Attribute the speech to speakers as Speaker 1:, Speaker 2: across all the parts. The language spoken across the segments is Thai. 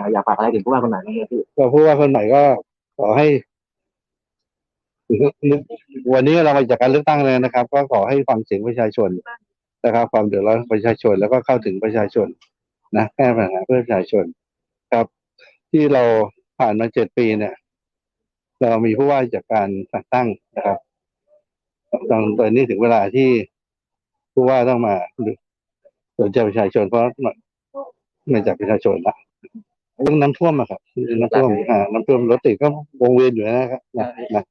Speaker 1: อยากฝากอะไรถึงผู้ว่าคนไหนบ้างครับพี่
Speaker 2: ก็ผู้ว่าคนใหม่ก็ขอให้วันนี้เรามาจากการเลือกตั้งเลยนะครับก็ขอให้ฟังเสียงประชาชนนะครับความเดือดร้อนของประชาชนแล้วก็เข้าถึงประชาชนนะแก้ปัญหาเพื่อประชาชนครับที่เราผ่านมา7 ปีเนี่ยเรามีผู้ว่าจากการแต่งตั้งนะครับตอนนี้ถึงเวลาที่ผู้ว่าต้องมาสนใจประชาชนเพราะมาจากประชาชนละเรื่องน้ำท่วมอะครับน้ำท่วมน้ำท่วมรถติดก็วงเวียนอยู่นะครับนะ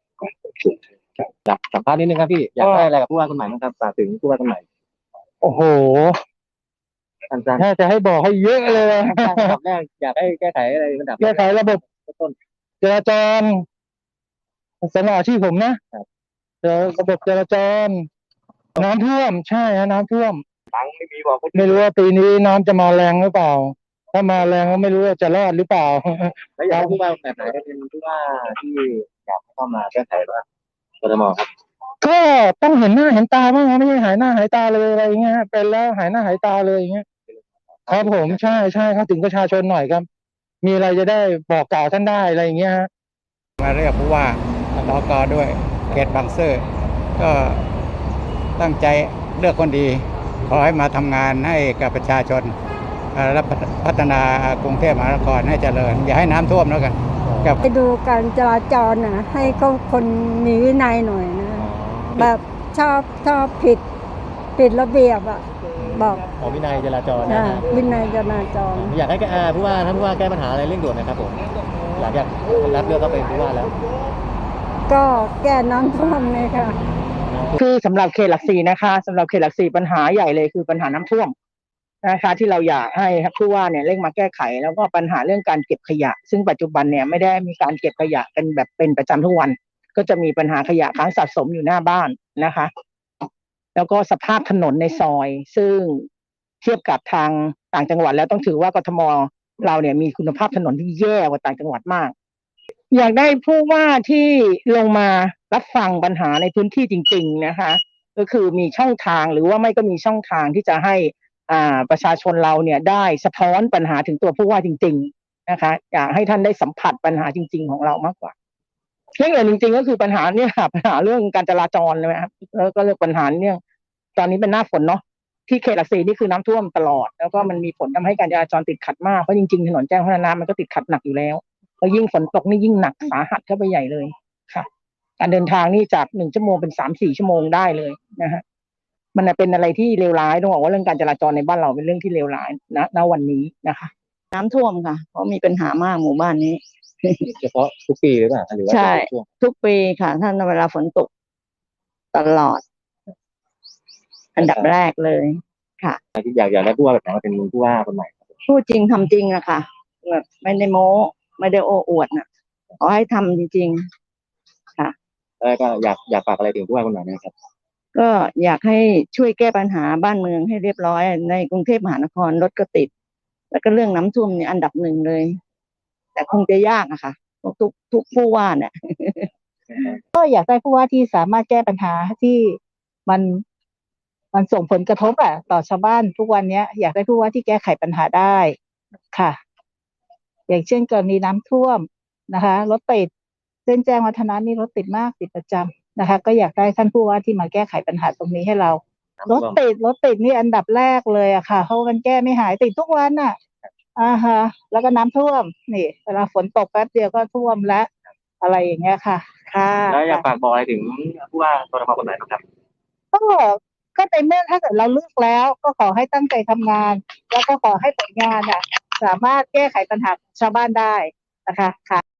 Speaker 1: สัมภาษณ์นิดนึงครับพี่อยากได้อะไรกับผู้ว่าคนใหม่บ้างครับฝากถึงผู้ว่าคนใหม่
Speaker 3: โอ้โห
Speaker 1: สั้น
Speaker 3: ถ้าจะให้บอกให้เยอะเลย
Speaker 1: ๆอันดับแรกอยากให้แก้ไขอะไรอันดับ
Speaker 3: แก้ไขระบบ
Speaker 1: ต้น
Speaker 3: จราจรสำหรับอาชีพผมนะระบบจราจรน้ำท่วมใช่ฮะน้ำท่วม
Speaker 1: ตังไม่มีบอก
Speaker 3: ไม่รู้ว่าปีนี้น้ำจะมาแรงหรือเปล่าถ้ามาแรงก็ไม่รู้ว่าจะรอดหรือเปล่า
Speaker 1: แล้วอยากให้ผู้ว่าแบบไหนเป็นผู้ว่าที่อยากเข้ามาแก้ไขบ้างกทมครับ
Speaker 3: ก็ต้องเห็นหน้าเห็นตาบ้างนะไม่ใช่หายหน้าหายตาเลยอะไรอย่างเงี้ยเป็นแล้วหายหน้าหายตาเลยอย่างเงี้ยครับผมใช่ใช่เข้าถึงประชาชนหน่อยครับมีอะไรจะได้บอกกล่าวท่านได้อะไรอย่างเงี้ยฮะ
Speaker 4: มาเรียกผู้ว่าสกด้วยเขตบางซื่อก็ตั้งใจเลือกคนดีขอให้มาทำงานให้กับประชาชนและพัฒนากรุงเทพมหานครให้เจริญอย่าให้น้ำท่วมแล้วกัน
Speaker 5: ไปดูการจราจรนะให้เขาคนมีวินัยหน่อยนะแบบชอบผิดระเบียบอ่ะบอก
Speaker 1: วินัยจราจร
Speaker 5: นะวินัยจราจร
Speaker 1: อยากให้ผู้ว่าท่านผู้ว่าแก้ปัญหาอะไรเร่งด่วนนะครับผมหลังจากรับเลือกเข้าเป็นผู้ว่าแล้ว
Speaker 5: ก็แก้น้ำท่วมเลยค่ะ
Speaker 3: คือสำหรับเขตหลักสี่นะคะสำหรับเขตหลักสี่ปัญหาใหญ่เลยคือปัญหาน้ำท่วมนะคะที่เราอยากให้ผู้ว่าเนี่ยเร่งมาแก้ไขแล้วก็ปัญหาเรื่องการเก็บขยะซึ่งปัจจุบันเนี่ยไม่ได้มีการเก็บขยะกันแบบเป็นประจำทุกวันก็จะมีปัญหาขยะค้างสะสมอยู่หน้าบ้านนะคะแล้วก็สภาพถนนในซอยซึ่งเทียบกับทางต่างจังหวัดแล้วต้องถือว่ากทมเราเนี่ยมีคุณภาพถนนที่แย่กว่าต่างจังหวัดมากอยากได้ผู้ว่าที่ลงมารับฟังปัญหาในพื้นที่จริงๆนะคะก็คือมีช่องทางหรือว่าไม่ก็มีช่องทางที่จะให้ประชาชนเราเนี่ยได้สะท้อนปัญหาถึงตัวผู้ว่าจริงๆนะคะอยากให้ท่านได้สัมผัสปัญหาจริงๆของเรามากกว่าเรื่องอื่นจริงๆก็คือปัญหาเนี่ยปัญหาเรื่องการจราจรเลยครับแล้วก็เรื่องปัญหาเนี่ยตอนนี้เป็นหน้าฝนเนาะที่เขตหลักสี่นี่คือน้ำท่วมตลอดแล้วก็มันมีผลทำให้การจราจรติดขัดมากเพราะจริงๆถนนแจ้งพัฒนามันก็ติดขัดหนักอยู่แล้วแล้วยิ่งฝนตกนี่ยิ่งหนักสาหัสเข้าไปใหญ่เลยค่ะการเดินทางนี่จาก1 ชั่วโมงเป็น3-4 ชั่วโมงได้เลยนะฮะมันเป็นอะไรที่เลวร้ายต้องบอกว่าเรื่องการจราจรในบ้านเราเป็นเรื่องที่เลวร้ายณวันนี้นะคะน้ำท่วมค่ะเพราะมีปัญหามากหมู่บ้านนี้
Speaker 1: เฉพาะทุกปีหรือเปล่าหรือว่า
Speaker 3: ใช่ทุกปีค่ะถ้าเวลาฝนตกตลอดอันดับแรกเลยค่ะ
Speaker 1: ที่อยากได้ผู้ว่าแบบไหนมาเป็นผู้ว่าคนใหม่
Speaker 3: พูดจริงทำจริงอะค่ะแบบไม่ได้โม้ไม่ได้โอ้อวดน่ะขอให้ทำจริงๆค่ะ
Speaker 1: แล้วก็อยากฝากอะไรถึงผู้ว่าคนใหม่นะครับ
Speaker 3: ก็อยากให้ช่วยแก้ปัญหาบ้านเมืองให้เรียบร้อยในกรุงเทพมหานครรถก็ติดแล้วก็เรื่องน้ำท่วมเนี่ยอันดับ1เลยแต่คงจะยากอะค่ะทุกผู้ว่าเนี่ยก็อยากได้ผู้ว่าที่สามารถแก้ปัญหาที่มันส่งผลกระทบต่อชาวบ้านทุกวันนี้อยากได้ผู้ว่าที่แก้ไขปัญหาได้ค่ะอย่างเช่นกรณีน้ำท่วมนะคะรถติดเส้นแจ้งวัฒนะนี่รถติดมากติดประจำนะคะก็อยากได้ท่านผู้ว่าที่มาแก้ไขปัญหาตรงนี้ให้เรารถติดนี่อันดับแรกเลยอะค่ะเพราะมันแก้ไม่หายติดทุกวันน่ะฮะแล้วก็น้ำท่วมนี่เวลาฝนตกแป๊บเดียวก็ท่วมแล้วอะไรอย่างเงี้ยค่ะค่ะ
Speaker 1: แล้วอยากฝากบอกอะไรถึงผู้ว่ากทมคนไหนครับ
Speaker 3: ก็ในเมื่อถ้าเกิดเราเลือกแล้วก็ขอให้ตั้งใจทำงานแล้วก็ขอให้ผลงานสามารถแก้ไขปัญหาชาวบ้านได้นะคะค่ะ